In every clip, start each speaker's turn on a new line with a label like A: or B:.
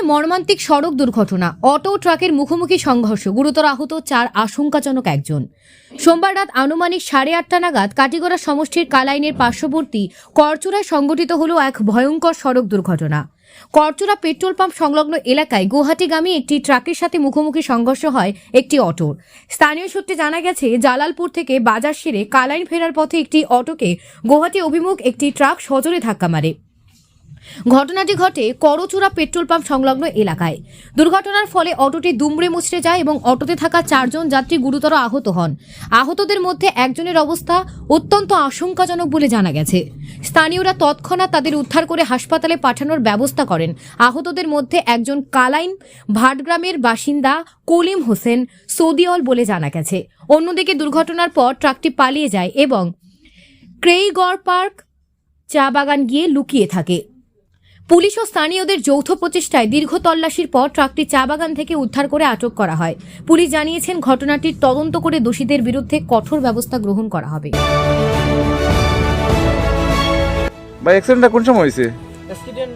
A: মর্মান্তিক সড়ক দুর্ঘটনা, অটো ট্রাকের মুখোমুখি সংঘর্ষ, গুরুতর আহত 4, আশঙ্কাজনক 1 জন। সোমবার রাত আনুমানিক 8:30 নাগাদ কাটিগড়া সমষ্টির কালাইনের পার্শ্ববর্তী করচুরায় সংঘটিত হল এক ভয়ঙ্কর সড়ক দুর্ঘটনা। করচুরা পেট্রোল পাম্প সংলগ্ন এলাকায় গুয়াহাটিগামী একটি ট্রাকের সাথে মুখোমুখি সংঘর্ষ হয় একটি অটোর। স্থানীয় সূত্রে জানা গেছে, জালালপুর থেকে বাজার সেরে কালাইন ফেরার পথে একটি অটোকে গুয়াহাটি অভিমুখ একটি ট্রাক সজোরে ধাক্কা মারে। ঘটনাটি ঘটে করচুরা পেট্রোল পাম্প সংলগ্ন এলাকায়। দুর্ঘটনার ফলে অটোটি দুমড়ে মুচড়ে যায় এবং অটোতে থাকা 4 জন যাত্রী গুরুতর আহত হন। আহতদের মধ্যে একজনের অবস্থা অত্যন্ত আশঙ্কাজনক বলে জানা গেছে। স্থানীয়রা তৎক্ষণাৎ তাদের উদ্ধার করে হাসপাতালে পাঠানোর ব্যবস্থা করেন। আহতদের মধ্যে একজন কালাইন ভাটগ্রামের বাসিন্দা কলিম হোসেন সৌদিওল বলে জানা গেছে। অন্যদিকে দুর্ঘটনার পর ট্রাকটি পালিয়ে যায় এবং ক্রেইগড় পার্ক চা বাগান গিয়ে লুকিয়ে থাকে। পুলিশ ও স্থানীয়দের যৌথ প্রচেষ্টায় দীর্ঘ তল্লাশির পর ট্রাকটি চা বাগান থেকে উদ্ধার করে আটক করা হয়। পুলিশ জানিয়েছেন, ঘটনাটির তদন্ত করে দোষীদের বিরুদ্ধে কঠোর ব্যবস্থা গ্রহণ করা হবে।
B: ভাই, অ্যাক্সিডেন্টটা কোন সময় হয়েছে?
C: অ্যাক্সিডেন্ট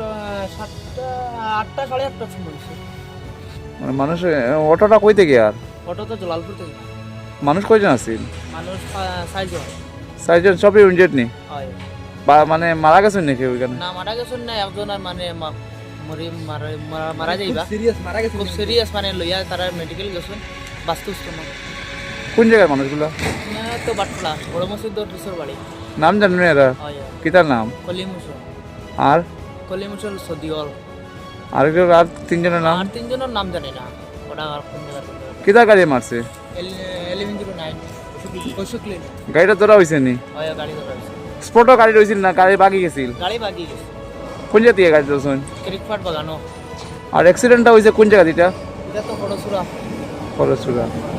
C: 8টা সাড়ে 8টার সময় হয়েছে।
B: মানে মানুষ, অটোটা কই থেকে? আর
C: অটো তো জলালপুর থেকে।
B: মানুষ কয়জন আছেন?
C: মানুষ 4 জন।
B: 4 জন সবই ইনজেড নি?
C: হয়।
B: বা মানে মারা গেছেন নাকি ওইখানে?
C: না, মারা গেছেন না, একজন আর মানে মারা যাইবা। খুব সিরিয়াস মানে লইয়া তারা মেডিকেল গেছেন, বাস্তুস্থ না।
B: কোন জায়গায় মানুষগুলো?
C: তো বাটলা বড় মসজিদ দুসর বাড়ি।
B: নাম জানেন এরা? কিতার নাম?
C: কলিম হোসেন
B: আর
C: কলিম হোসেন সদিওল।
B: আর 3 জনের নাম?
C: আর 3 জনের নাম জানি না। ওটা আর কোন জায়গা
B: কিতার গাড়ি মারছে?
C: 1109 অশোকলেন।
B: গাড়িটা ধরা হয়েছে নি?
C: হয়, গাড়ি ধরা হয়েছে।
B: স্পটও গাড়ি রয়েছিল না, গাড়ি বাগি গেছিল?
C: গাড়ি বাগি গেছে।
B: কোন জায়গা দিয়ে গাড়ি ধরছেন?
C: ক্রিকফাট বাগানো।
B: আর অ্যাক্সিডেন্টটা হয়েছে কোন জায়গা? এটা
C: এটা তো বড় সুরা।
B: করচুরা।